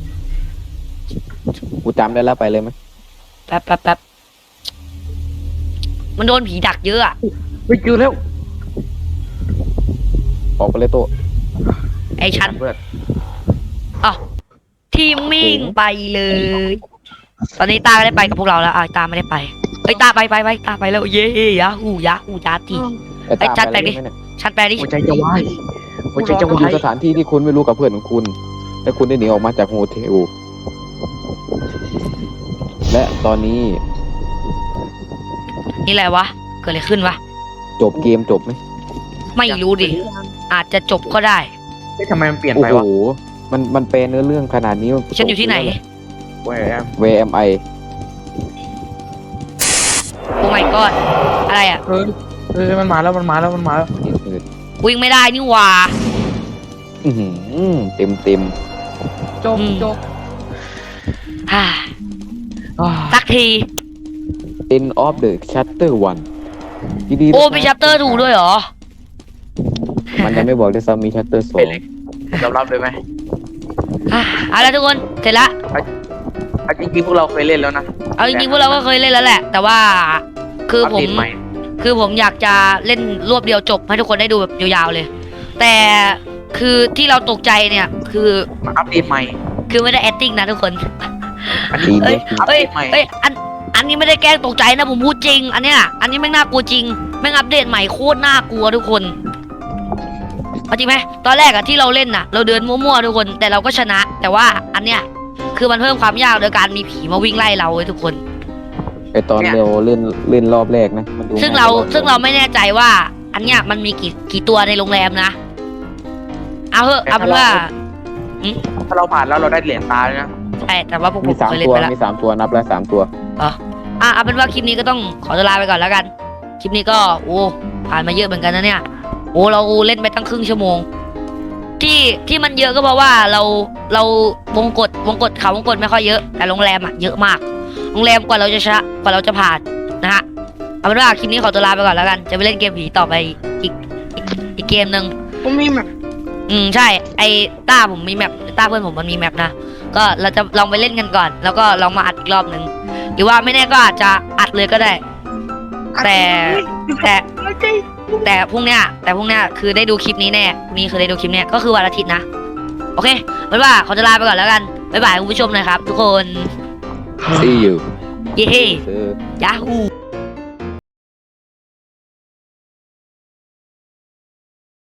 Speaker 1: กูจำได้แล้วไปเลยไหม
Speaker 3: แป๊บแป๊บแป๊บมันโดนผีดักเยอะอะ
Speaker 2: ไปเจอแล้ว
Speaker 1: ออกไปเลยโตะ
Speaker 3: ไอ้ชั้น
Speaker 2: เพื่อน
Speaker 3: อ๋อทีมมิ่งไปเลย ตอนนี้ตาไม่ได้ไปกับพวกเราแล้วอ่ะตาไม่ได้ไปเฮ้ยตาไปไปไปตาไปแล้วเย้ยาหูยาหูยาตี
Speaker 1: ไอ้
Speaker 3: ไอ้
Speaker 1: ตาม
Speaker 3: จัด
Speaker 1: ไป
Speaker 3: ไปดิ
Speaker 1: เลยไหมเนี่ย
Speaker 3: ชั้นแปลดิ
Speaker 2: หัวใจจะวายหัวใจจะ
Speaker 1: คุณ
Speaker 2: วา
Speaker 1: อยู่
Speaker 2: ย
Speaker 1: สถานที่ที่คุณไม่รู้กับเพื่อนของคุณ และคุณได้หนีออกมาจากโฮเทล และตอนนี้
Speaker 3: นี่อะไรวะเกิดอะไรขึ้นวะ
Speaker 1: จบเกมจบไหม
Speaker 3: ไม่รู้ดิอาจจะจบก็ได้
Speaker 2: เฮ้ยทำไมมันเปลี่ยน
Speaker 1: โอ้
Speaker 2: ไป
Speaker 1: โห
Speaker 2: วะ
Speaker 1: มันมันแปลเนื้อเรื่องขนาดนี้
Speaker 3: ฉันอยู่ที่ไหน
Speaker 2: แหวม
Speaker 1: เวเอ็มไอ
Speaker 3: โอ้ my god อะไรอ่ะ
Speaker 2: เออเออมันมาแล้วมันมาแล้วมันมาแล้ว
Speaker 3: วิ่งไม่ได้นี่หว่า
Speaker 1: เต็มเต็ม
Speaker 2: จบ
Speaker 3: อืม
Speaker 2: จบ
Speaker 3: ฮ่า
Speaker 2: อ่า
Speaker 3: สักที
Speaker 1: end of the chapter one ยินดี
Speaker 3: โอ้
Speaker 1: ด้วย
Speaker 3: มีชัปเตอร์ถูกด้วยเหรอ
Speaker 1: มันยังไม่บอกด้วยซ้ำมี chapter สอ
Speaker 2: ไป
Speaker 1: ง
Speaker 2: เลยยอมรับเลยไหม
Speaker 3: อ่ะเอาละทุกคนเสร็จละ
Speaker 2: เอาจริงๆพวกเราเคยเล่นแล้วนะ
Speaker 3: เอาจริงๆพวกเราก็เคยเล่นแล้วแหละ แต่ว่าคือผม
Speaker 2: ปเดตให
Speaker 3: คือผมอยากจะเล่นรวบเดียวจบให้ทุกคนได้ดูแบบยาวๆเลย แต่คือที่เราตกใจเนี่ยคือ
Speaker 2: มาอัปเดตใหม่
Speaker 3: คือไม่ได้ acting นะทุกคน
Speaker 2: อัน
Speaker 1: จริ
Speaker 2: นี้
Speaker 1: ง
Speaker 3: เอ้ย
Speaker 2: อัป
Speaker 3: เอ้
Speaker 2: เด
Speaker 3: ย
Speaker 2: ตใหม่
Speaker 3: เอ้ยอันอันนี้ไม่ได้แกล้งตกใจนะผมพูดจริง อันเนี้ยอันนี้แม่งน่ากลัวจริงแม่งอัปเดตใหม่โคตรน่ากลัวทุกคนเอาจริงไหมตอนแรกอะที่เราเล่นน่ะ เราเดินมั่วๆทุกคน แต่เราก็ชนะ แต่ว่าอันเนี้ยคือมันเพิ่มความยากโดยการมีผีมาวิ่งไล่เราเว้ยทุกคน
Speaker 1: ไอตอนเราเล่นเล่นรอบแรกนะมันดู
Speaker 3: ซึ่ง
Speaker 1: ง่ย
Speaker 3: เรา
Speaker 1: กว่
Speaker 3: ซึ่งเราไม่แน่ใจว่า อันเนี้ยมันมีกี่กี่ตัวในโรงแรมนะเอาเถอะเอาเป็นว่า
Speaker 2: ถ้าเราผ่านแล้วเราได้เหรียญตาเลยนะ
Speaker 3: ใช่แต่ว่าพวกผ
Speaker 1: มี
Speaker 3: ม
Speaker 1: สาม
Speaker 3: เคยเล่น
Speaker 1: ตัว
Speaker 3: ไปแล้ว
Speaker 1: มีสามตัวนับแล้วสามตัว
Speaker 3: อ่ะเอาเป็นว่าคลิปนี้ก็ต้องขอตัวลาไปก่อนแล้วกัน คลิปนี้ก็โอ้ผ่านมาเยอะเหมือนกันนะเนี่ยโอ้เราเล่นไปตั้งครึ่งชั่วโมง ที่ที่มันเยอะก็เพราะว่าเราเราวงกดวงกดเขาวงกดไม่ค่อยเยอะแต่โรงแรมอะเยอะมากโรงแรมกว่าเราจะชนะกว่าเราจะผ่านนะฮะเอาเป็นว่าคลิปนี้ขอตัวลาไปก่อนแล้วกันจะไปเล่นเกมผีต่อไปอีกอีกอีกเกมหนึ่ง
Speaker 4: ผมมีแบบ
Speaker 3: อืมใช่ ไอ้ต้าผมมีแมปต้าเพื่อนผมมันมีแมปนะก็เราจะลองไปเล่นกันก่อน แล้วก็ลองมาอัดอีกรอบหนึ่งหรือว่าไม่แน่ก็อาจจะอัดเลยก็ได้ แต่แต่แต่พรุ่งเนี้ยแต่พรุ่งเนี้ยคือได้ดูคลิปนี้แน่พรุ่งนี้คือได้ดูคลิปเนี้ยก็คือวันอาทิตย์นะโอเคเป็นว่าขอจะลาไปก่อนแล้วกันบ๊ายบายคุณผู้ชมหน่อยครับ ทุกคน
Speaker 1: see you
Speaker 3: เย้
Speaker 1: ซื้อ
Speaker 3: ยาฮู